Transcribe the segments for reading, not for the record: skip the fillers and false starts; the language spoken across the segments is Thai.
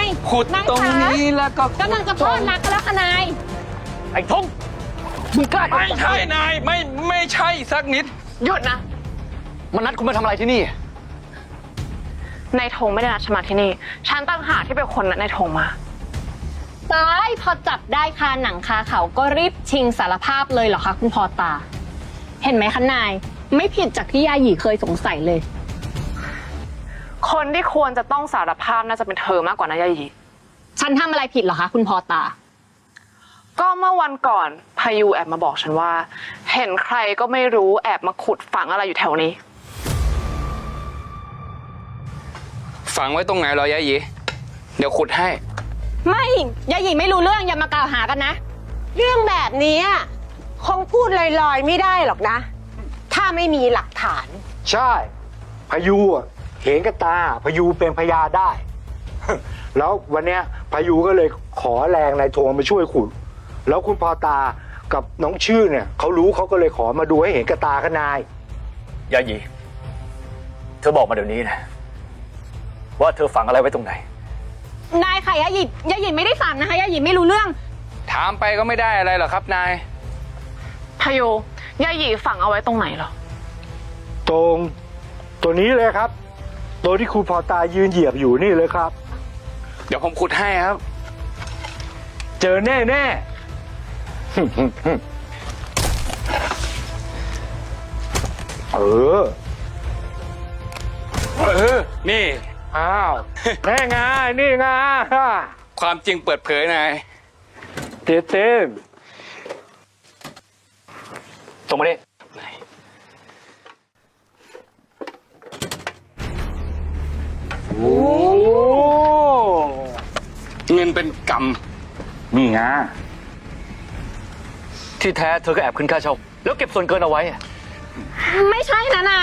ขุดตรงนี้แล้วก็กำลังจะพลอดรักกันแล้วค่ะนายไอ้ทงมึงกล้าไม่ใช่นายไม่ใช่สักนิดหยุดนะมันนัดคุณมาทำอะไรที่นี่นายธงไม่ได้นัดฉันมาที่นี่ ฉันตั้งหากที่เป็นคนนัดนายธงมาตายพอจับได้คาหนังคาเขาก็รีบชิงสารภาพเลยเหรอคะคุณพอตา เห็นไหมคะนายไม่ผิดจากที่ยาหยีเคยสงสัยเลยคนที่ควรจะต้องสารภาพน่าจะเป็นเธอมากกว่านายายีฉันทำอะไรผิดเหรอคะคุณพอตาก็เมื่อวันก่อนพายุแอบมาบอกฉันว่า เห็นใครก็ไม่รู้แอบมาขุดฝังอะไรอยู่แถวนี้ฝังไว้ตรงไหนเหรอยายหยีเดี๋ยวขุดให้ไม่ยาหยีไม่รู้เรื่องอย่ามากล่าวหากันนะเรื่องแบบนี้คงพูดลอยๆไม่ได้หรอกนะ ถ้าไม่มีหลักฐานใช่พายุเห็นกับตาพายุเป็นพยานได้ แล้ววันเนี้ยพายุก็เลยขอแรงนายโทงมาช่วยขุด แล้วคุณพอตากับน้องชื่อเนี่ยเขารู้เขาก็เลยขอมาดูให้เห็นกับตากับนายยายีเธอบอกมาเดี๋ยวนี้นะว่าเธอฝังอะไรไว้ตรงไหนนายค่ะยาหยีไม่ได้ฝังนะคะยาหยีไม่รู้เรื่องถามไปก็ไม่ได้อะไรหรอกครับนายพายุยายีฝังเอาไว้ตรงไหนเหรอตรงตัวนี้เลยครับ ตัวที่คุณพอตายืนเหยียบอยู่นี่เลยครับเดี๋ยวผมขุดให้ครับเจอแน่แน่ เออนี่อ้าวแน่ไงนี่ไงความจริงเปิดเผยนายเต็มเต็มตรงมาดิโอ้เงินเป็นกนี่ไงที่แท้เธอก็แอบขึ้นค่าเช่าแล้วเก็บส่วนเกินเอาไว้อะไม่ใช่นะนาย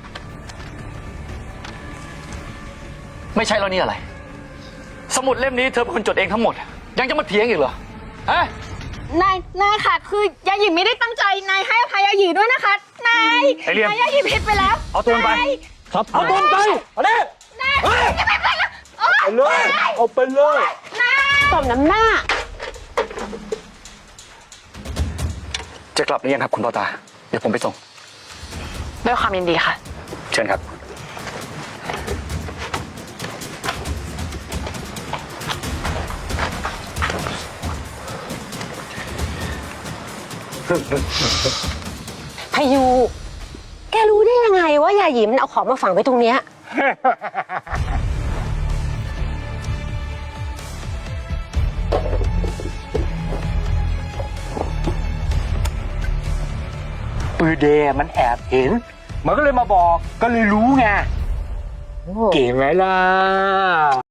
ไม่ใช่แล้วนี่อะไร สมุดเล่มนี้เธอเป็นคนจดเองทั้งหมด ยังจะมาเถียงอีกเหรอฮะนายค่ะ คือยาหยีไม่ได้ตั้งใจนายให้อภัยยาหยีด้วยนะคะนายไอ้เลี่ยมนายยาหยีผิดไปแล้วเอาตัวมันไปนายครับเอาตัวมันไปเอาดินายอย่าไปแล้วโอ๊ยไปเลยเอาไปเลยสมน้ำหน้าจะกลับหรือยังครับคุณพ่อตา เดี๋ยวผมไปส่งด้วยความยินดีค่ะเชิญครับพายุ แกรู้ได้ยังไงว่ายาหยีมันเอาของมาฝังไว้ตรงเนี้ยปือเดมันแอบเห็น มันก็เลยมาบอกก็เลยรู้ไงเก่งไหมล่ะ